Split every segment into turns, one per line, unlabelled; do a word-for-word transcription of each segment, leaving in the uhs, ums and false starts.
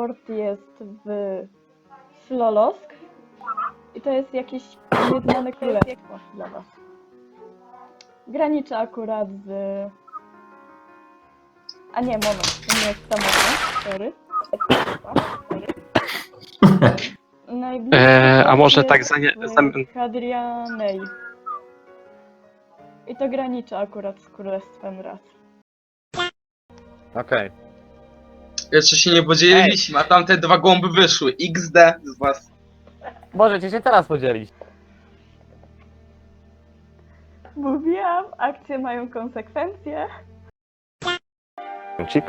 port jest w Slolosk i to jest jakieś nieznane królestwo dla was. Graniczy akurat z... A nie, moment, to nie jest samotne, sorry. Najbliższy
Eee, a
port
może
jest
tak za nie... Za...
w Hadrianej. I to graniczy akurat z Królestwem Raz.
Okej.
Jeszcze się nie podzieliliśmy, a tamte dwa głąby wyszły. iks de z was.
Możecie się teraz podzielić.
Mówiłam, akcje mają konsekwencje.
Chip?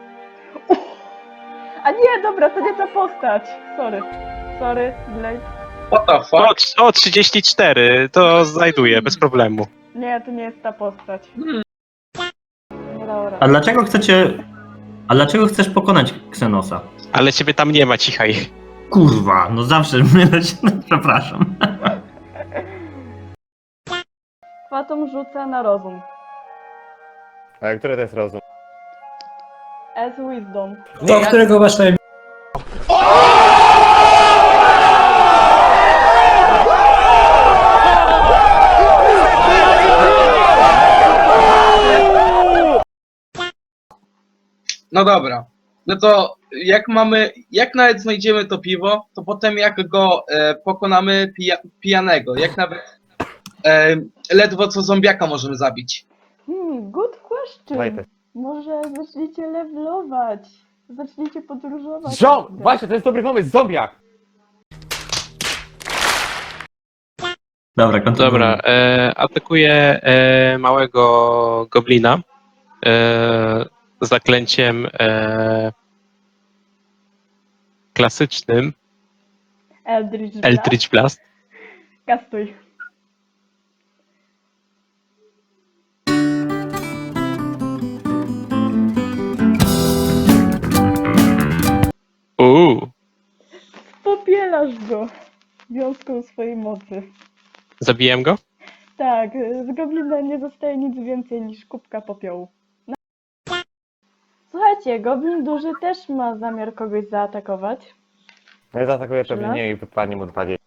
A nie, dobra, to nie ta postać. Sorry. Sorry, Blade.
What the
O,
fuck?
trz- o, trzydzieści cztery, to znajduję, bez problemu.
Nie, to nie jest ta postać. Nie dało
A
rady.
dlaczego chcecie... A dlaczego chcesz pokonać Xenosa?
Ale ciebie tam nie ma, cichaj.
Kurwa, no zawsze mylę się, no, przepraszam.
Fatum rzuca na rozum.
A który to jest rozum?
As wisdom.
To, którego masz najmniej.
No dobra. No to jak mamy, jak nawet znajdziemy to piwo, to potem jak go e, pokonamy pija, pijanego, jak nawet e, ledwo co zombiaka możemy zabić.
Hmm, good question.
Daj te.
Może zaczniecie levelować. Zaczniecie podróżować.
Ziom! Właśnie, to jest dobry pomysł, zombiak!
Dobra, kontynuuj.
Dobra, e, atakuję e, małego goblina e, zaklęciem e, klasycznym
Eldritch Blast.
Eldritch Blast.
Kastuj.
Uuu,
Popielasz go wiązką swojej mocy.
zabiłem go?
Tak, z goblina nie zostaje nic więcej niż kubka popiołu. No. Słuchajcie, goblin duży też ma zamiar kogoś zaatakować.
No i zaatakuję
Czy
pewnie
nas?
nie i wypadnie mu dwadzieścia.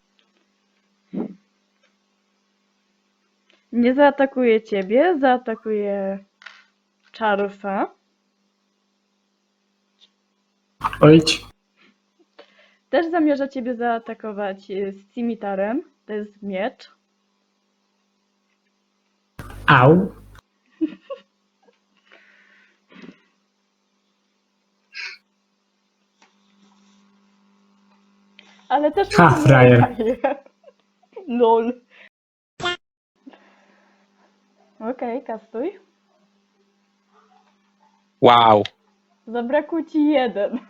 Nie zaatakuje ciebie, zaatakuje Charlesa.
Ojdź.
Też zamierza ciebie zaatakować y, z cimitarem. To jest miecz.
Au.
Ale też
Ha,
mu nie
frajer.
daje. Lol. Okej, kastuj.
Wow.
Zabrakło ci jeden.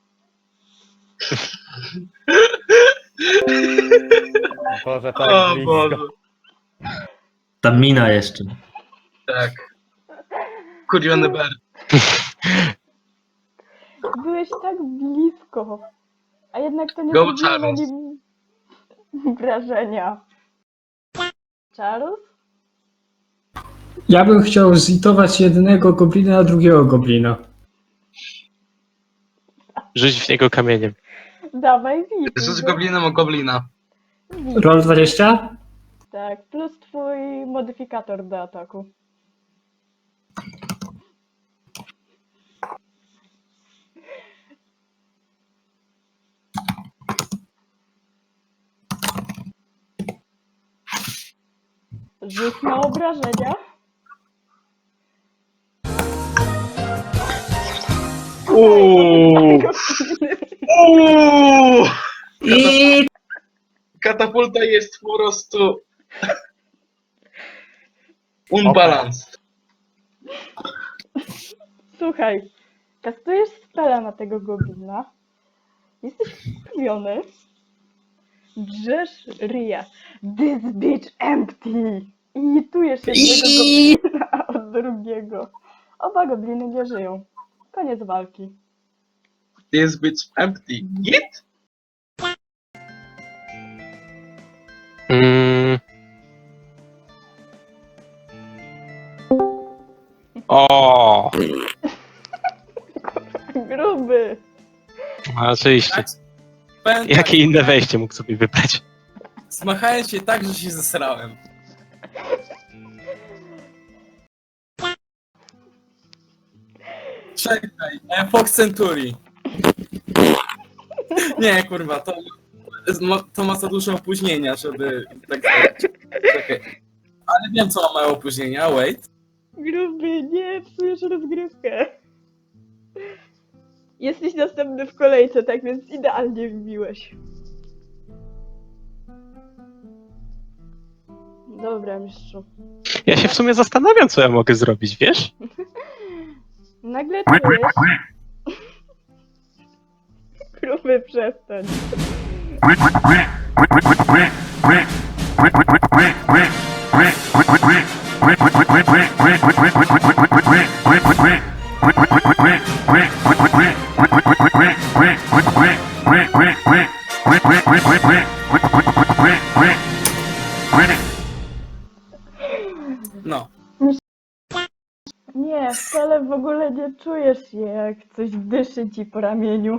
Boże, tak
O
blisko.
Boże.
Ta mina jeszcze.
Tak. Kuriony ber.
Byłeś tak blisko. A jednak to nie
Go
zrobiło na
Charles.
nim wrażenia. Charles?
Ja bym chciał zitować jednego goblina na drugiego goblina.
Rzuć w niego kamieniem.
Dawaj, wit.
Rzuć goblinem o goblina.
Roll dwadzieścia?
Tak, plus twój modyfikator do ataku. Rzuć na obrażenia.
Uuuu. Uuuu.
I...
Katapulta jest po prostu unbalanced.
Słuchaj, kastujesz spela na tego goblina. Jesteś wkurwiony. Drzesz ryja. This bitch empty! I litujesz jednego goblina od drugiego. Oba gobliny nie żyją. Koniec walki.
This bitch empty. Git?
Mm. O,
Gruby!
A, oczywiście.
Tak? Powiem
Jakie
tak,
inne wejście mógł sobie wybrać?
Smachałem się tak, że się zesrałem. Czekaj, e, Fox Century. Nie, kurwa, to, to ma za dużo opóźnienia, żeby tak zrobić. Czekaj. Ale wiem, co ma małe opóźnienia, wait.
Gruby, nie psujesz rozgrywkę. Jesteś następny w kolejce, tak więc idealnie wbiłeś. Dobra, mistrzu.
Ja się w sumie zastanawiam, co ja mogę zrobić, wiesz?
Nagle czujesz... Gruby, przestań.
No.
Nie, wcale w ogóle nie czujesz się, jak coś dyszy ci po ramieniu.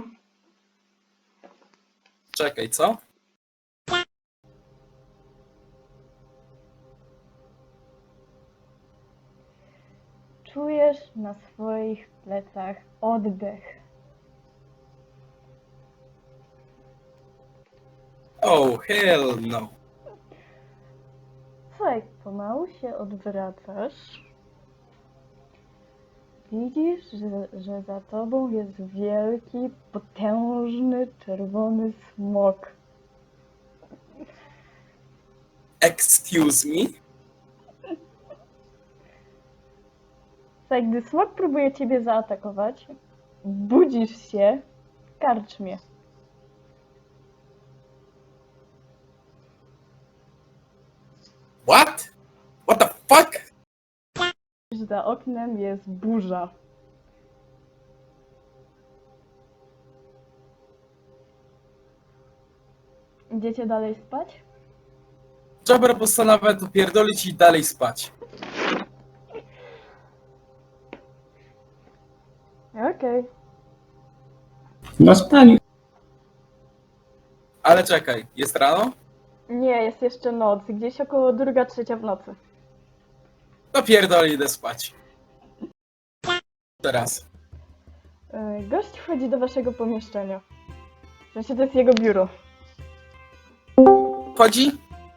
Czekaj, co?
Czujesz na swoich plecach oddech.
Oh, hell no.
Słuchaj, pomału się odwracasz. Widzisz, że, że za tobą jest wielki, potężny, czerwony smok.
Excuse me?
Słuchaj, gdy smok próbuje ciebie zaatakować, budzisz się w karczmie.
What? What the fuck?
Za oknem jest burza. Idziecie dalej spać?
Dobra, postanawia to pierdolić i dalej spać.
Okej.
No spali.
Ale czekaj, jest rano?
Nie, jest jeszcze noc. Gdzieś około druga, trzecia w nocy.
To pierdoli, idę spać. Teraz.
Yy, Gość wchodzi do waszego pomieszczenia. W sensie to jest jego biuro.
Chodzi?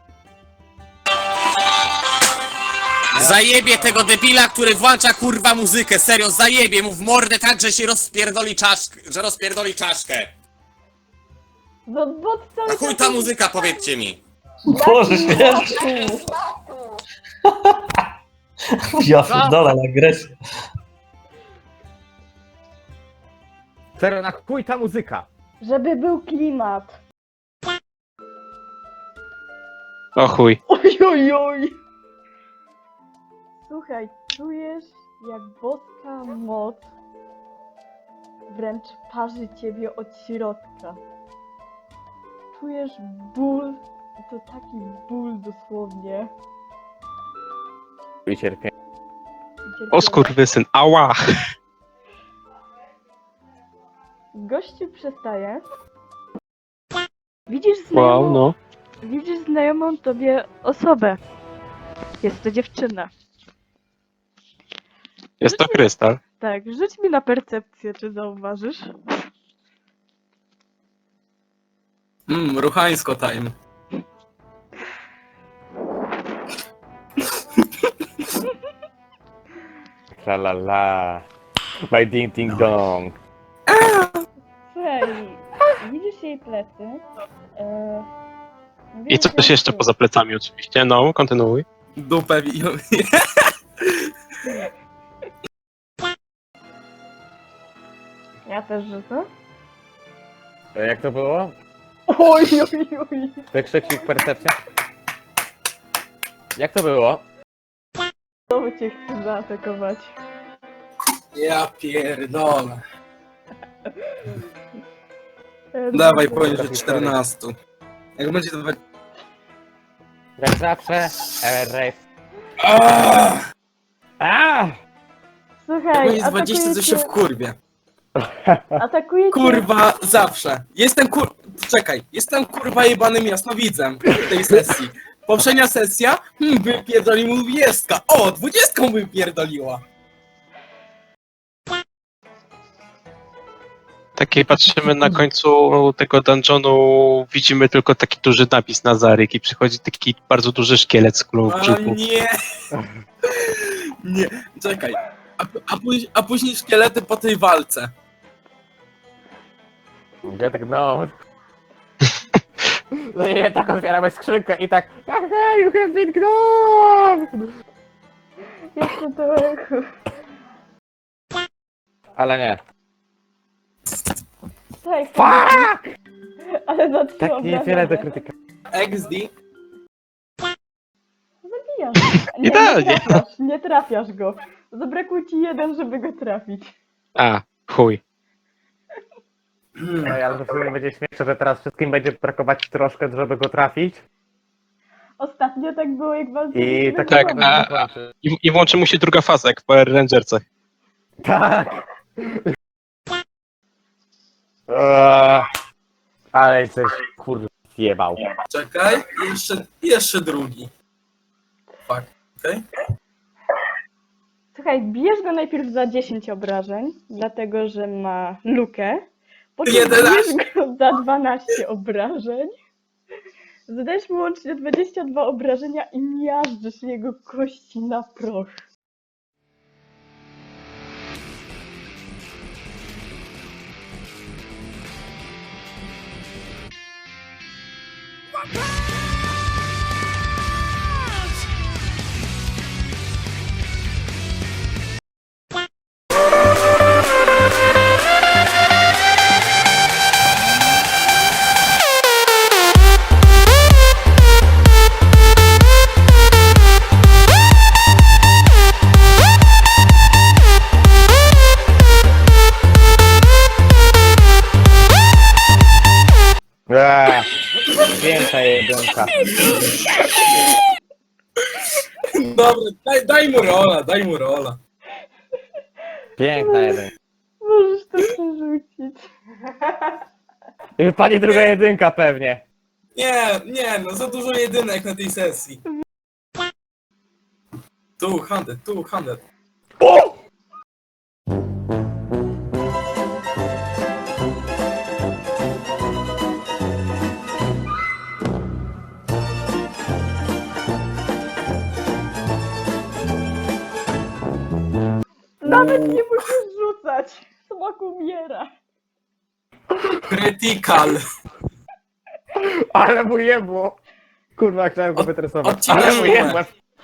Zajebie tego debila, który włącza kurwa muzykę, serio, zajebie mu w mordę tak, że się rozpierdoli czaszkę, że rozpierdoli czaszkę.
No bo cały
A chuj ta muzyka, powiedzcie mi.
Boże święty. Ja pierdolę na agresję.
Serio, na chuj ta muzyka.
Żeby był klimat.
O chuj.
Oj, oj, oj. Słuchaj, czujesz jak boska moc wręcz parzy ciebie od środka. Czujesz ból, i to taki ból dosłownie.
I cierpię.
O skurwysyn, ała!
Gościu przestaje. Widzisz znajomą,
Wow, no.
widzisz znajomą tobie osobę. Jest to dziewczyna.
Jest to krystal.
Tak, rzuć mi na percepcję, czy zauważysz.
Mmm, ruchańsko time.
La la la. My ding ding dong.
Słuchaj, widzisz jej plecy. E,
I
widzisz
coś
ją
jeszcze
tu.
poza plecami oczywiście. No, kontynuuj.
Dupę wi...
Ja też rzucę.
E, Jak to było?
Oj, oj, oj.
Wykrzyknik percepcja. Jak to było?
Znowu cię chce zaatakować.
Ja pierdolę.
E,
Dawaj,
dobra.
poniżej czternaście. Jak będzie to...
Jak zawsze. R F.
Aaaa!
A!
Słuchaj,
Jak jest dwadzieścia, to się
atakujecie,
wkurwie.
Atakujecie...
Kurwa, zawsze. Jestem kur... Czekaj, jestem kurwa jebanym jasnowidzem w tej sesji. Poprzednia sesja, hmm, wypierdolił mu dwudziestka. O, dwudziestką wypierdoliła.
Takie patrzymy na końcu tego dungeonu, widzimy tylko taki duży napis na zaryk i przychodzi taki bardzo duży szkielet z kulą w
A
brzuchu.
nie. Nie, czekaj. A, a, później, a później szkielety po tej walce.
Get gnome. No i tak otwieramy skrzynkę i tak aha, you have been gnome!
Jeszcze trochę.
Ale nie.
Tak,
Fuck!
ale za trzy
Tak nie
obrażenia.
wiele do krytyka.
X D.
Zabijasz. Nie,
Idealnie.
nie trafiasz, nie trafiasz go. Zabrakło ci jeden, żeby go trafić.
A, chuj.
No ale to w sumie będzie śmieszne, że teraz wszystkim będzie brakować troszkę, żeby go trafić.
Ostatnio tak było, jak walczyliśmy.
I tak
z
tak,
Robem.
a- I, I włączy mu się druga faza, jak w Power Rangerce.
Tak! Eee, ale coś kurde zjebał.
Czekaj, jeszcze, jeszcze drugi. Fuck, okej?
Słuchaj, bijesz go najpierw za dziesięć obrażeń, dlatego że ma lukę. Potem
jedenaście.
bijesz go za dwanaście obrażeń. Zadajesz mu łącznie dwadzieścia dwa obrażenia i miażdżysz jego kości na proch.
Eee, piękna jedynka.
Dobra, daj, daj mu rola, daj mu rola.
Piękna jedynka.
Możesz to przerzucić.
I wypadnie druga jedynka pewnie.
Nie, nie, no za dużo jedynek na tej sesji. Tu, hundred, tu, hundred.
O!
Nawet nie musisz rzucać. Smok umiera.
Critical.
Ale mu jebło. Kurwa, chciałem go
Od-
wytresować.
odcinasz
Ale mu
łeb.
jebło.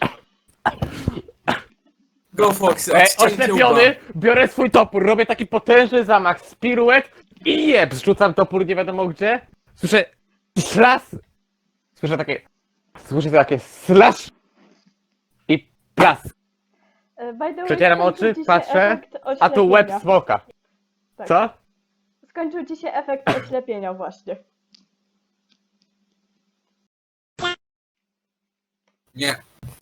Go Foxy,
Ej,
odcięcie
oślepiony, biorę swój topór, robię taki potężny zamach z piruet i jeb, zrzucam topór nie wiadomo gdzie. Słyszę szlas. Słyszę takie, słyszę takie slash i plas.
E, by the way,
Przecieram
skończył
oczy,
ci się
patrzę,
efekt
a tu łeb
oślepienia.
smoka.
Tak.
Co?
Skończył ci się efekt oślepienia właśnie.
Nie.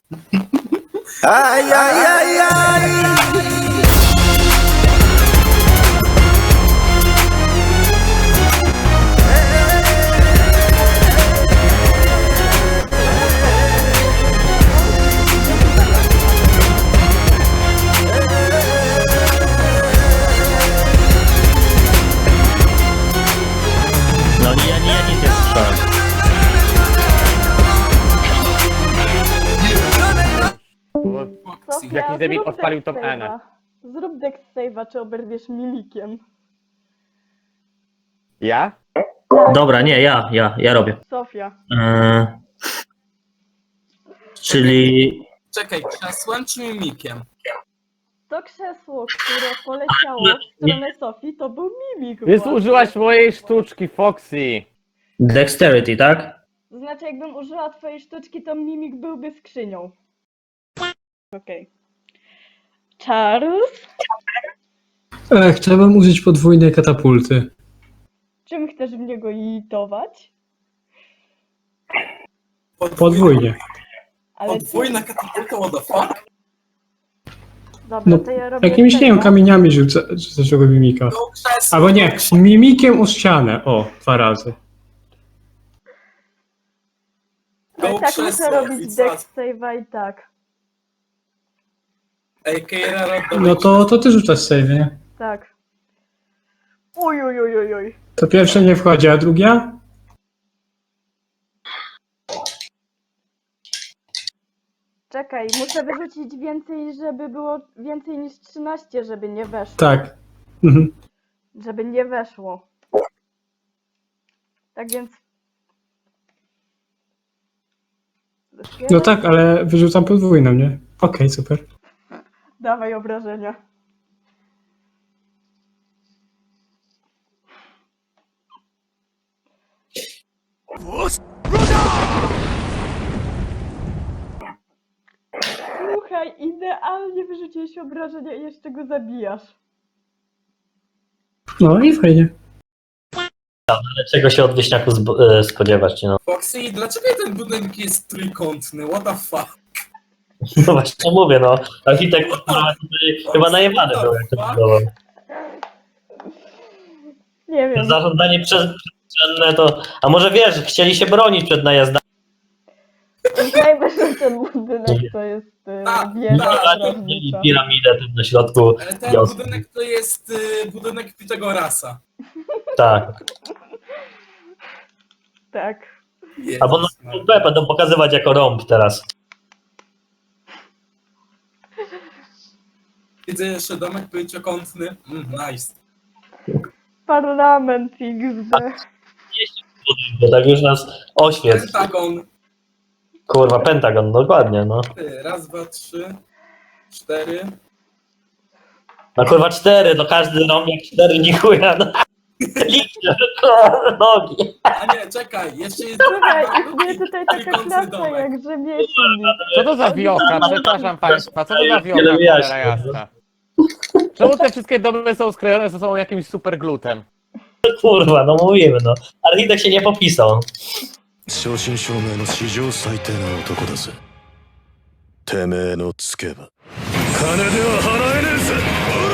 No nie, nie, nie, nie strzelam.
Sofia,
Jakiś debil
zrób
odpalił
dex
tą Enę.
save'a. Zrób dex save'a, czy oberwiesz mimikiem.
Ja?
Dobra, nie, ja, ja, ja robię.
Sofia.
Eee, czyli
Czekaj, krzesłem czy mimikiem?
To krzesło, które poleciało w stronę Sofii, to był mimik.
Ty
właśnie.
użyłaś mojej sztuczki, Foxy.
dexterity, tak?
To znaczy, jakbym użyła twojej sztuczki, to mimik byłby skrzynią. Okej. Charles,
E, chciałbym użyć podwójnej katapulty.
czym chcesz w niego itować?
Podwójnie.
Ale
Podwójna katapulta, what the fuck?
Dobra,
No,
to ja robię
jakimiś, nie wiem,
tego.
kamieniami rzucę, rzucę tego mimika.
To krzesło,
Albo nie,
to krzesło.
mimikiem o ścianę. O, dwa razy.
Ale
Go
tak
krzesło,
muszę robić
i co?
deck save'a i tak.
Ej, Keira, rod
No to, to ty rzucasz save, nie?
Tak. Uj, uj, uj, uj, uj.
To pierwsze nie wchodzi, a druga?
Czekaj, muszę wyrzucić więcej, żeby było więcej niż trzynaście, żeby nie weszło.
Tak. Mhm.
Żeby nie weszło. Tak więc...
No tak, ale wyrzucam podwójną, nie? Okej, super.
Dawaj obrażenia. Słuchaj, idealnie wyrzuciłeś obrażenia i jeszcze go zabijasz.
No i fajnie.
Ale czego się od wieśniaku zb- e, spodziewać, no.
Foxy, dlaczego ten budynek jest trójkątny? What the fuck?
No właśnie mówię, no. Architekt kurwa, tutaj chyba najebany był, jak to budował.
Nie wiem.
Zarządzanie przestrzenne to... A może wiesz, chcieli się bronić przed najazdami.
Uznajmy, że ten budynek to jest y,
Tak,
wieża
tak.
Mieli
strażnicza.
piramidę tam na środku
Ale ten
wioski.
budynek to jest y, budynek Pitagorasa.
Tak.
Tak.
Albo na
Jezus,
P będą pokazywać jako rąb teraz.
Widzę jeszcze domek pięciokątny. Mm, nice.
Parlament X D.
Bo tak już nas oświec.
Pentagon.
Kurwa, Pentagon, dokładnie, no.
Ty, raz, dwa, trzy, cztery.
No kurwa cztery, to każdy rąb jak cztery nie chuja, no. Licznie, kurwa, nogi.
A nie, czekaj, jeszcze jest
Słuchaj,
drugi
istnieje tutaj taka
trójkątny
klasa
domek.
jak rzemieślnik.
Co to za wiocha? Przepraszam państwa, co to za wiocha,
Wiele
cholera
wyjaśnień.
jasna? Czemu te wszystkie domy są skrojone ze sobą jakimś super glutem?
Kurwa, no mówimy, no. Architekt się nie popisał.
正真正銘の史上最低な男だぜ。てめえのつけば金では払えねえぜ。